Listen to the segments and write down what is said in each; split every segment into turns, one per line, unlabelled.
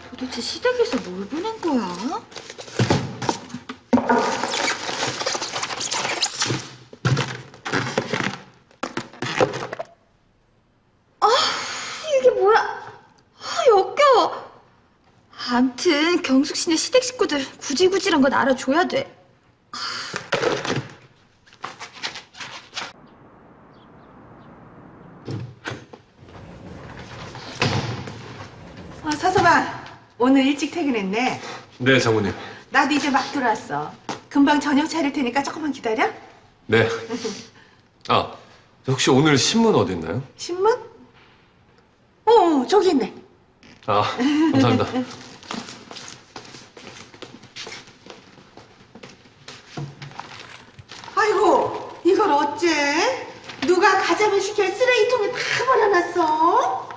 도대체 시댁에서 뭘 보낸 거야? 아, 이게 뭐야? 아, 역겨워. 암튼 경숙 씨네 시댁 식구들 구질구질한 건 알아줘야 돼.
서서방, 오늘 일찍 퇴근했네.
네, 장모님.
나도 이제 막 들어왔어. 금방 저녁 차릴 테니까 조금만 기다려.
네. 아, 혹시 오늘 신문 어디 있나요?
신문? 저기 있네.
아, 감사합니다.
아이고, 이걸 어째? 누가 가자면 시켜 쓰레기통에 다 버려놨어?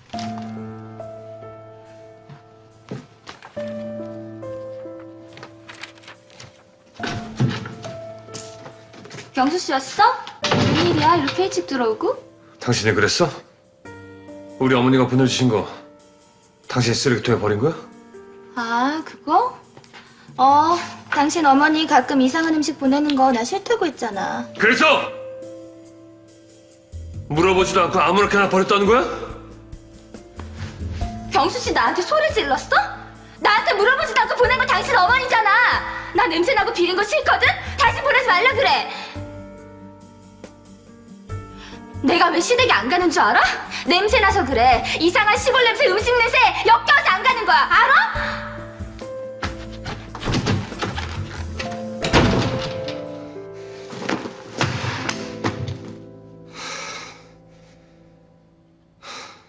경수 씨였어? 웬일이야? 이렇게 일찍 들어오고?
당신이 그랬어? 우리 어머니가 보내주신 거 당신 쓰레기통에 버린 거야?
아, 그거? 당신 어머니 가끔 이상한 음식 보내는 거 나 싫다고 했잖아.
그래서 물어보지도 않고 아무렇게나 버렸다는 거야?
경수 씨 나한테 소리 질렀어? 나한테 물어보지도 않고 보낸 거 당신 어머니잖아. 나 냄새나고 비린 거 싫거든? 다시 보내지 말라 그래. 내가 왜 시댁에 안 가는 줄 알아? 냄새나서 그래. 이상한 시골 냄새, 음식 냄새 역겨워서 안 가는 거야. 알아?